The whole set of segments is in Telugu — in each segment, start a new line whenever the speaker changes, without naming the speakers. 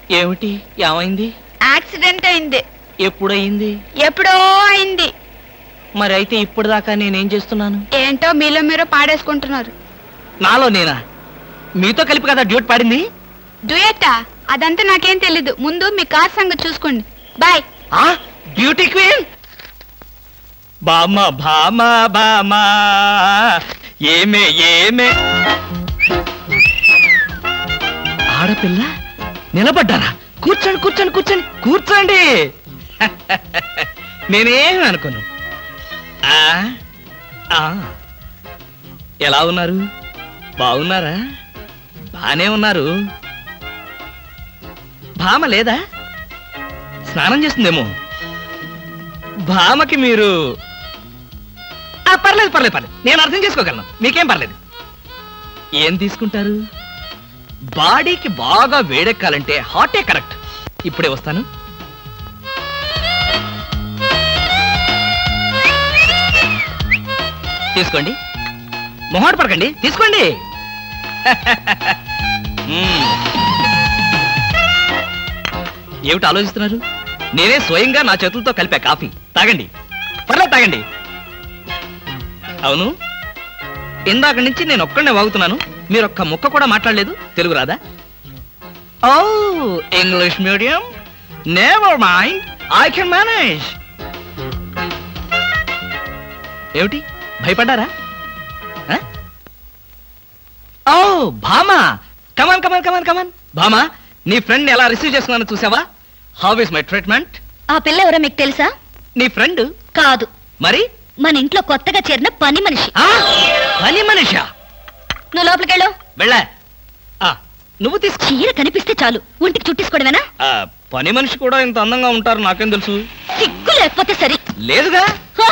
ఏమిటి? ఏమైంది?
యాక్సిడెంట్ అయింది.
ఎప్పుడయింది?
ఎప్పుడో అయింది.
మరి అయితే ఇప్పుడు దాకా నేనేం చేస్తున్నాను?
ఏంటో మీలో మీరు పాడేసుకుంటున్నారు.
నాలో నేనా? మీతో కలిపి కదా డ్యూట్ పాడింది.
డ్యూయట్టా? అదంతా నాకేం తెలీదు. ముందు మీ కార్ సంగతి చూసుకోండి. బాయ్.
బ్యూటీ క్వీన్ బామా బామా బామా ఏమే ఏమే. ఆడపిల్ల నిలబడ్డారా? కూర్చోండి కూర్చోండి కూర్చోండి కూర్చోండి. నేనేమి అనుకోను. ఎలా ఉన్నారు? బాగున్నారా? బానే ఉన్నారు. భామ లేదా? స్నానం చేస్తుందేమో. భామకి మీరు పర్లేదు పర్లేదు పర్లేదు, నేను అర్థం చేసుకోగలను. మీకేం పర్లేదు. ఏం తీసుకుంటారు? బాడీకి బాగా వేడెక్కాలంటే హాటే కరెక్ట్. ఇప్పుడే వస్తాను. తీసుకోండి, మొహాట పడకండి, తీసుకోండి. ఏమిటి ఆలోచిస్తున్నారు? నేనే స్వయంగా నా చేతులతో కలిపా కాఫీ. తాగండి, పర్లేదు తాగండి. అవును, ఇందాక నుంచి నేను ఒక్కడనే వాగుతున్నాను. మీరు ఒక్క ముక్క కూడా మాట్లాడలేదు. తెలుగు రాదా? ఓ, English medium. Never mind, I can manage. ఏమిటి, భయపడ్డారా? ఓ భామా, కమాన్ కమాన్ కమాన్ కమాన్. భామా, నీ ఫ్రెండ్ ఎలా రిసీవ్ చేసుకున్నాను చూసావా? How is my treatment?
ఆ పిల్ల ఎవరో మీకు తెలుసా?
నీ ఫ్రెండ్
కాదు.
మరి?
మన ఇంట్లో కొత్తగా చేరిన పని మనిషి.
పని మనిషా?
నువ్వు లోపలికెళ్ళు.
వెళ్ళా. నువ్వు తీసుకో.
చీర కనిపిస్తే చాలు ఒంటికి చుట్టేసుకోవడమేనా?
పని మనిషి కూడా ఇంత అందంగా ఉంటారు నాకేం తెలుసు.
సిగ్గు లేకపోతే సరి.
లేదుగా.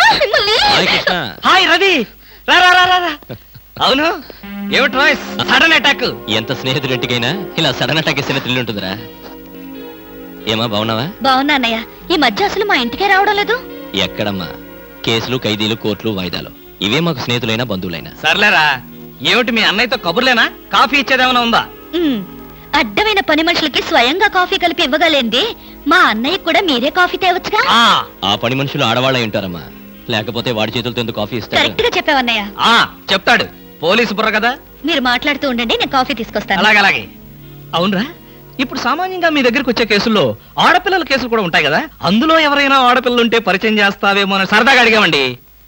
హాయ్ రవి, రా రా రా రా. అవును, ఏమిటి వాయిస్? Sudden attack.
ఎంత స్నేహితుడింటికైనా ఇలా సడన్ అటాక్ ఇస్తే థ్రిల్ ఉంటుందిరా. ఏమా, బాగున్నావా?
బాగున్నా అన్నయ్య. ఈ మధ్య అసలు మా ఇంటికే రావడం లేదు.
ఎక్కడమ్మా, కేసులు, ఖైదీలు, కోర్టులు, వాయిదాలు, ఇవే మాకు స్నేహితులైనా బంధువులైనా.
సర్లేరా. ఏమిటి మీ అన్నయ్యతో కబుర్లేనా? కాఫీ ఇచ్చేదేమైనా ఉందా?
అడ్డమైన పని మనుషులకి స్వయంగా కాఫీ కలిపి ఇవ్వగలేంది మా అన్నయ్య కూడా మీరే కాఫీ తేవచ్చుగా.
ఆ పని మనుషులు ఆడవాళ్ళై ఉంటారమ్మా, లేకపోతే వాడి చేతులతో ఎందుకు కాఫీ ఇస్తారు?
కరెక్ట్ గా చెప్పావన్నయ్య.
చెప్తాడు, పోలీసు బుర్ర కదా.
మీరు మాట్లాడుతూ ఉండండి, నేను కాఫీ తీసుకొస్తాను.
అలాగే అలాగే. అవునరా, ఇప్పుడు సామాన్యంగా మీ దగ్గరికి వచ్చే కేసుల్లో ఆడపిల్లల కేసులు కూడా ఉంటాయి కదా. అందులో ఎవరైనా ఆడపిల్లలు ఉంటే పరిచయం చేస్తావేమో అని సరదాగా అడిగామండి.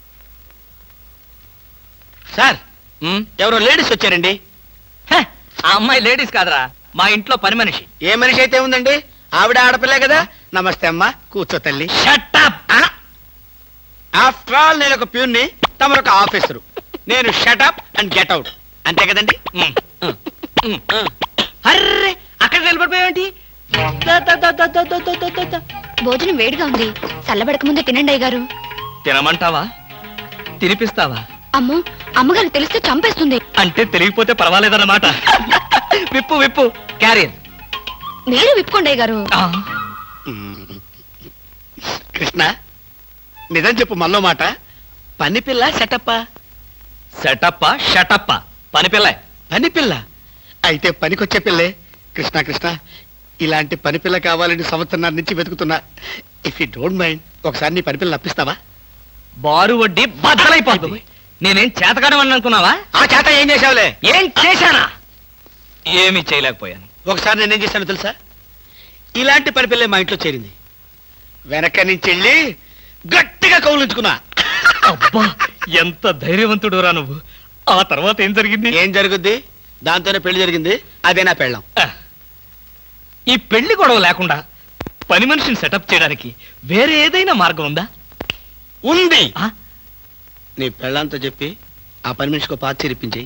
సార్, ఎవరో లేడీస్ వచ్చారండి.
ఆ అమ్మాయి లేడీస్ కాదరా, మా ఇంట్లో పని మనిషి.
ఏ మనిషి అయితే ఉందండి, ఆవిడ ఆడపిల్లే కదా. నమస్తే అమ్మా, కూర్చో తల్లి.
Shut up.
ఆఫ్టర్ ఆల్ నేను ఒక ప్యూన్ని, తమరు ఒక ఆఫీసరు. నేను shut up and get out, అంతే కదండి.
అర్రే, అక్కడ నిలబడిపోయావేంటి?
భోజనం వేడిగా ఉంది, చల్లబడక ముందే తినండి అయ్యగారు.
తినమంటావా? తినిపిస్తావా?
అమ్మో, అమ్మగారు తెలిస్తే చంపేస్తుంది.
అంటే తెలియకపోతే పర్వాలేదన్నమాట. విప్పు విప్పు, క్యారియర్.
మీరు విప్పుకోండి అయ్యగారు.
కృష్ణ, నిజం చెప్పు, మళ్ళో మాట. పని పిల్ల సెటప్పా?
సెటప్పా షటప్పా? పని పిల్ల.
పని పిల్ల అయితే పనికొచ్చే పిల్లే. కృష్ణ కృష్ణ, ఇలాంటి పని పిల్ల కావాలని సంవత్సరం నుంచి వెతుకుతున్నా. ఇఫ్ యూ డోంట్ మైండ్, ఒకసారి నీ పని పిల్ల అప్పిస్తావా?
బారు వడ్డీ బద్దలైపోతుంది. నేనేం చేతకాడమని అనుకున్నావా?
ఆ చేత ఏం చేసావులే?
ఏం చేశానా? ఏమీ చేయలేకపోయాను.
ఒకసారి నేనేం చేశాను తెలుసా? ఇలాంటి పని పిల్లే మా ఇంట్లో చేరింది. వెనక నుంచి వెళ్ళి గట్టిగా కౌలించుకున్నా.
అబ్బా, ఎంత ధైర్యవంతుడు రా నువ్వు. ఆ తర్వాత ఏం జరిగింది?
ఏం జరుగుద్ది? దాంతోనే పెళ్లి జరిగింది. అదే నా పెళ్ళం.
ఈ పెళ్లి గొడవ లేకుండా పని మనిషిని సెటప్ చేయడానికి వేరే ఏదైనా మార్గం ఉందా?
ఉంది. నీ పెళ్ళంతో చెప్పి ఆ పని మనిషికి పాత చేరిపించి.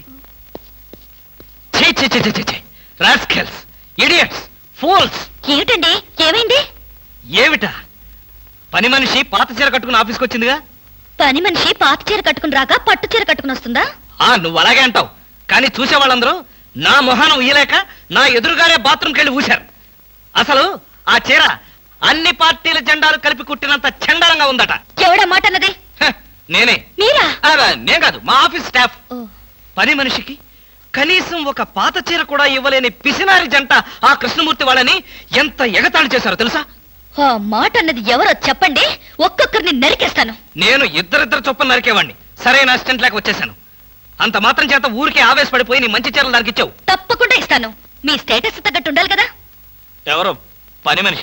Rascals, idiots, fools.
ఏమిటండి, ఏమైంది?
ఏమిటా? పని మనిషి పాత చీర కట్టుకుని ఆఫీస్కి వచ్చిందిగా.
పని మనిషి పాత చీర కట్టుకుని రాక పట్టు చీర కట్టుకుని వస్తుందా?
నువ్వు అలాగే అంటావు, కానీ చూసే వాళ్ళందరూ నా మొహానం ఊయలేక నా ఎదురుగానే బాత్రూమ్కి వెళ్ళి ఊశారు. అసలు ఆ చీర అన్ని పార్టీల జెండాలు కలిపి కుట్టినంత చండాలంగా ఉందట.
ఎవడా మాట అన్నది?
నేనే.
మీరా?
నేను కాదు, మా ఆఫీస్ స్టాఫ్. పని మనిషికి కనీసం ఒక పాత చీర కూడా ఇవ్వలేని పిసినారి జంట ఆ కృష్ణమూర్తి వాళ్ళని ఎంత ఎగతాళి చేశారో తెలుసా?
ఆ మాట అన్నది ఎవరో చెప్పండి, ఒక్కొక్కరిని నరికేస్తాను.
నేను ఇద్దరిద్దరు చొప్పున నరికేవాడిని. సరైన అసిస్టెంట్ లేక వచ్చేసాను. అంత మాత్రం చేత ఊరికే ఆవేశపడిపోయి నీ మంచి చీరలు దానికి ఇచ్చావు.
తప్పకుండా ఇస్తాను. మీ స్టేటస్ తగ్గట్టు ఉండాలి కదా.
ఎవరో పని మనిషి